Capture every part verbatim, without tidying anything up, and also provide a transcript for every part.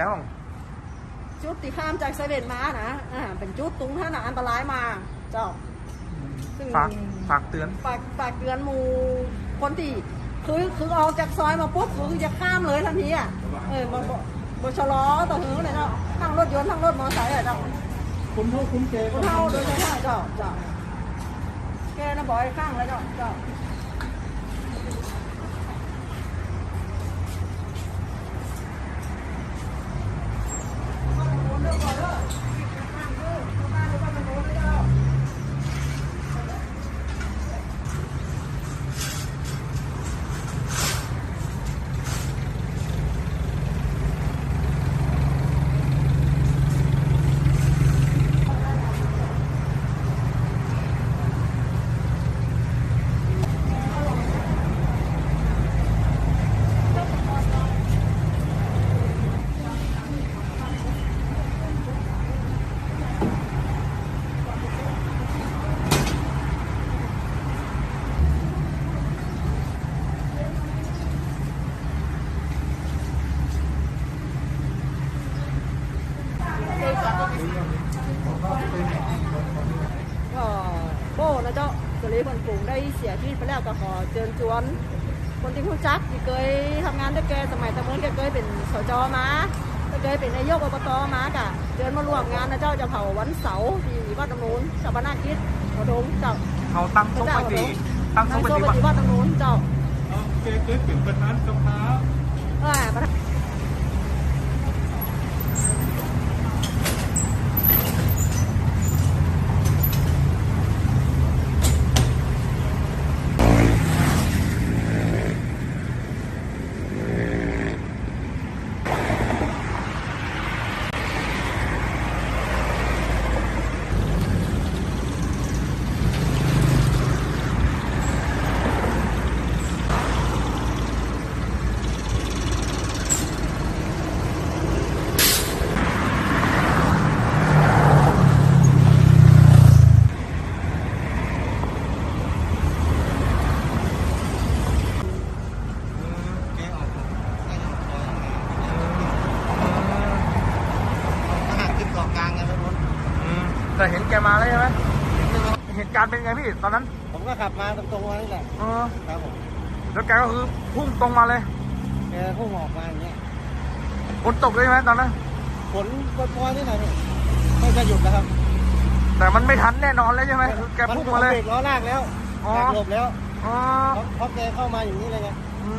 บ้างจุดที่ข้ามจากเซเว่นมานะอ่าเป็นจุดตรงท่าหนาอันตรายมาเจ้าซึ่งฝากฝากเตือนฝากฝากเตือนหมู่คนที่คือคือออกจากซอยมาปุ๊บคือจะข้ามเลยทันทีอ่ะเออมาบชะลอต่อหือเลยเนาะทั้งรถยนต์ทั้งรถมอเตอร์ไซค์อะเจ้าคุ้มเท่าคุ้มเกคุ้มเท่าโดยเฉพาะเจ้าเจ้าแกน่ะบ่อยข้างเลยเจ้าเจ้าก็โบ้นะเจ้าสุริพลปรุงได้เสียชีวิตไปแล้วก็ขอเชิญชวนคนที่รู้จักที่เคยทำงานด้วยแกสมัยตะเมินแกเคยเป็นสจมาเคยเป็นนายกอบตมากะเชิญมาร่วมงานนะเจ้าจะเผาวันเสาร์ที่วัดตำนูนชาปนากิจหัวดงเจ้าเขาตั้งโต๊ะปฏิตั้งโต๊ะปฏิวัดตำนูนเจ้าเคยเคยเป็นประธานสภาเออประธานแต่เห็นแกมาแล้วใช่ไหมเหตุการณ์เป็นไงพี่ตอนนั้นผมก็ขับมาตรงๆมานี่แหละเออครับผมแล้วแกก็คือพุ่งตรงมาเลยแกพุ่งออกมาอย่างเงี้ยฝนตกเลยไหมตอนนั้นฝนปล่อยๆนี่หน่อยนี่ไม่จะหยุดนะครับแต่มันไม่ทันแน่นอนเลยใช่ไหมแกพุ่งมาเลยเบรกล้อลากแล้วแกหลบแล้วอ๋อเพราะแกเข้ามาอย่างนี้เลยไง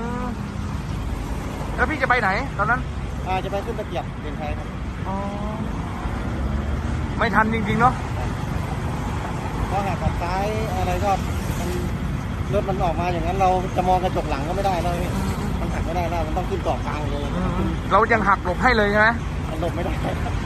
แล้วพี่จะไปไหนตอนนั้นอ่าจะไปขึ้นตะเกียบเดินไทยครับอ๋อไม่ทันจริงๆเนาะเพราะหากขับซ้ายอะไรก็มันรถมันออกมาอย่างนั้นเราจะมองกระจกหลังก็ไม่ได้แล้วพี่มันหักไม่ได้แล้วมันต้องขึ้นเกาะกลางเลยเรายังหักหลบให้เลยใช่ไหมหลบไม่ได้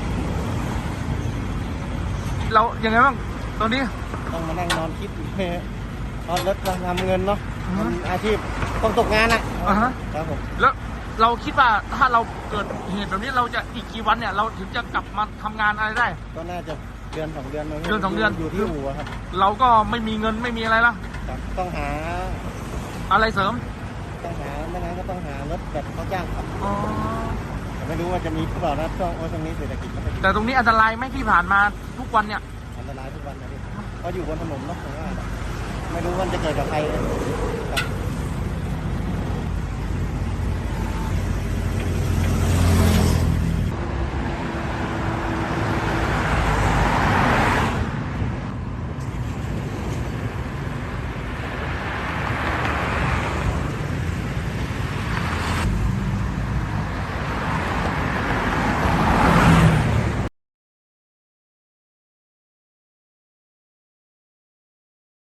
เรายังไงบ้างตอนนี้ต้องมานั่งนอนคิดตอนรถทำเงินเนาะอาชีพต้องตกงานอ่ะครับผมแล้วเราคิดว่าถ้าเราเกิดเหตุแบบนี้เราจะอีกกี่วันเนี่ยเราถึงจะกลับมาทำงานอะไรได้ก็น่าจะเดือนสองเดือนเดือนสองเดือนอยู่ที่อู่ครับเราก็ไม่มีเงินไม่มีอะไรละต้องหาอะไรเสริมต้องหาไม่งั้นก็ต้องหารถแบบเขาจ้างขับแต่ไม่รู้ว่าจะมีหรือเปล่านะช่วงตรงนี้เศรษฐกิจแต่ตรงนี้อันตรายไหมที่ผ่านมาทุกวันเนี่ยอันตรายทุกวันนะพี่เพราะอยู่บนถนนเนาะผมว่าไม่รู้ว่าจะเกิดกับใคร